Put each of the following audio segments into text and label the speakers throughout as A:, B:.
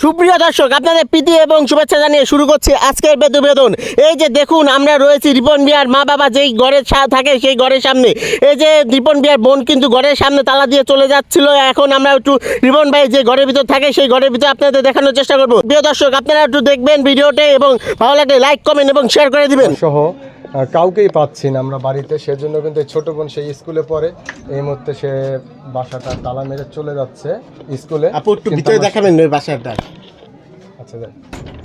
A: সুপ্রিয় দর্শক, আপনাদের প্রীতি এবং শুভেচ্ছা জানিয়ে শুরু করছি আজকের প্রতিবেদন। এই যে দেখুন, আমরা রয়েছি রিপন মিয়ার মা বাবা যেই ঘরের থাকে সেই ঘরের সামনে। এই যে রিপন মিয়ার বোন কিন্তু ঘরের সামনে তালা দিয়ে চলে যাচ্ছিল। এখন আমরা একটু রিপন ভাই যে ঘরের ভিতর থাকে সেই ঘরের ভিতরে আপনাদের দেখানোর চেষ্টা করবো। প্রিয় দর্শক, আপনারা একটু দেখবেন ভিডিওতে এবং ভালো লাগলে লাইক কমেন্ট এবং শেয়ার করে দিবেন।
B: সহ কাউকেই পাচ্ছি না আমরা বাড়িতে, সেজন্য কিন্তু ছোট বোন সেই স্কুলে পড়ে। এই মুহূর্তে সে বাসাটা তালা মেরে চলে যাচ্ছে স্কুলে।
A: আপু একটু ভিতরে দেখাবেন ওই বাসাটা।
B: আচ্ছা যাই,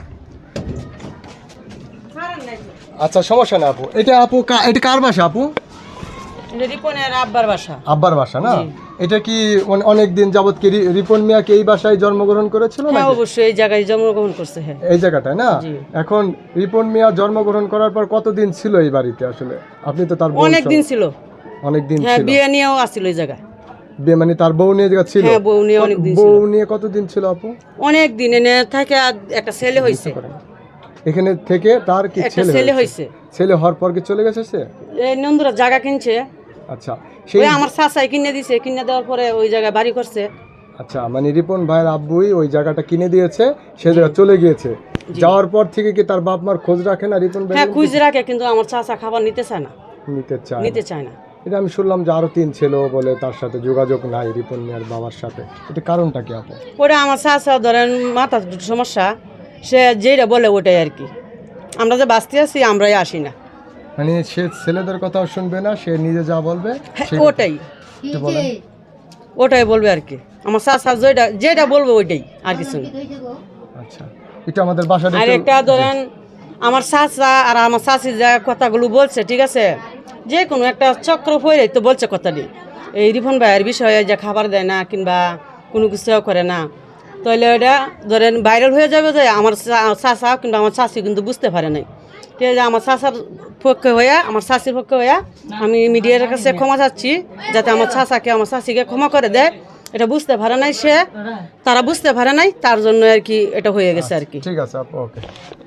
B: আচ্ছা সমস্যা না আপু। এটা আপু এটা কার বাসা আপু?
C: রিপনের আব্বার বাসা।
B: আব্বার বাসা না? এটা কি অনেক দিন যাবত কি রিপন মিয়া কি এই বাসায় জন্মগ্রহণ করেছিল না?
C: হ্যাঁ অবশ্যই এই জায়গায় জন্মগ্রহণ করছে। হ্যাঁ
B: এই জায়গাটায় না? এখন রিপন মিয়া জন্মগ্রহণ করার পর কতদিন ছিল এই বাড়িতে আসলে? আপনি তো তার
C: অনেক দিন ছিল।
B: অনেক দিন
C: হ্যাঁ,
B: ছিল।
C: বিয়ে নিয়েও আসছিল এই জায়গায়।
B: বিয়ে মানে তার বউ নিয়ে জায়গা ছিল?
C: হ্যাঁ, বউ নিয়ে অনেক দিন ছিল।
B: বউ নিয়ে কতদিন ছিল আপু?
C: অনেক দিন এনে থেকে একটা ছেলে হইছে।
B: এখানে থেকে তার কি
C: একটা ছেলে হইছে।
B: ছেলে হওয়ার পর কি চলে গেছে সে?
C: এই নন্দুরা জায়গা কিনছে।
B: আচ্ছা, সেই
C: ওই আমার চাচাই কিনে দিছে, কিনে দেওয়ার পরে ওই জায়গায় বাড়ি করছে।
B: আচ্ছা, মানে রিপন ভাইয়ের আব্বুই ওই জায়গাটা কিনে দিয়েছে, সে জায়গা চলে গিয়েছে। যাওয়ার পর থেকে কি তার বাপ মার খোঁজ রাখে না রিপন ভাই?
C: হ্যাঁ খুঁজ রাখে, কিন্তু আমার চাচা খাবার নিতে চায় না।
B: নিতে চায় না। এটা আমি শুনলাম যে আরো 3 ছেলে বলে তার সাথে যোগাযোগ নাই রিপন মিয়ার বাবার সাথে। এটা কারণটা কি আপু?
C: ওটা আমার চাচা ধরেন মাথা সমস্যা, সে যেটা বলে ওটাই আর কি। আমরা যে বাঁচতে আছি আমরাই আসি না।
B: মানে সে ছেলেদের কথাও শুনবে না, সে নিজে যা বলবে
C: ওটাই
B: একটু বলেন।
C: ওটাই বলবে আর কি। আমার চাচা যেটা বলবে ওইটাই, আর কিছু না।
B: আচ্ছা, এটা আমাদের বাসার
C: আর একটা ধরেন আমার চাচা আর আমার চাচি যা কথাগুলো বলছে, ঠিক আছে, যে কোনো একটা চক্র হয়ে তো বলছে কথাটি। এই রিপন ভাইয়ের বিষয়ে যে খাবার দেয় না কিংবা কোনো কিছু করে না, তাহলে ওটা ধরেন ভাইরাল হয়ে যাবে। যে আমার চাচা কিংবা আমার চাচি কিন্তু বুঝতে পারে নাই। ঠিক আছে, আমার চাচার পক্ষে হইয়া, আমার চাচির পক্ষে হইয়া আমি মিডিয়ার কাছে ক্ষমা চাচ্ছি, যাতে আমার চাচাকে আমার চাচিকে ক্ষমা করে দেয়। এটা বুঝতে পারে নাই সে, তারা বুঝতে পারে নাই, তার জন্য আর কি এটা হয়ে গেছে আর কি।
B: ঠিক আছে আপু, ওকে।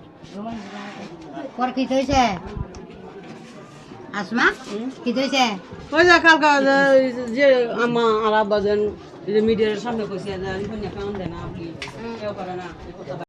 D: পর কি হইছে আসমা? কি হইছে?
C: ওই যে কালকা যে আমা আর আব্বা যেন মিডিয়ার সামনে কইছে যে রিপন কাম দেয় না, আপনি কেউ করে না।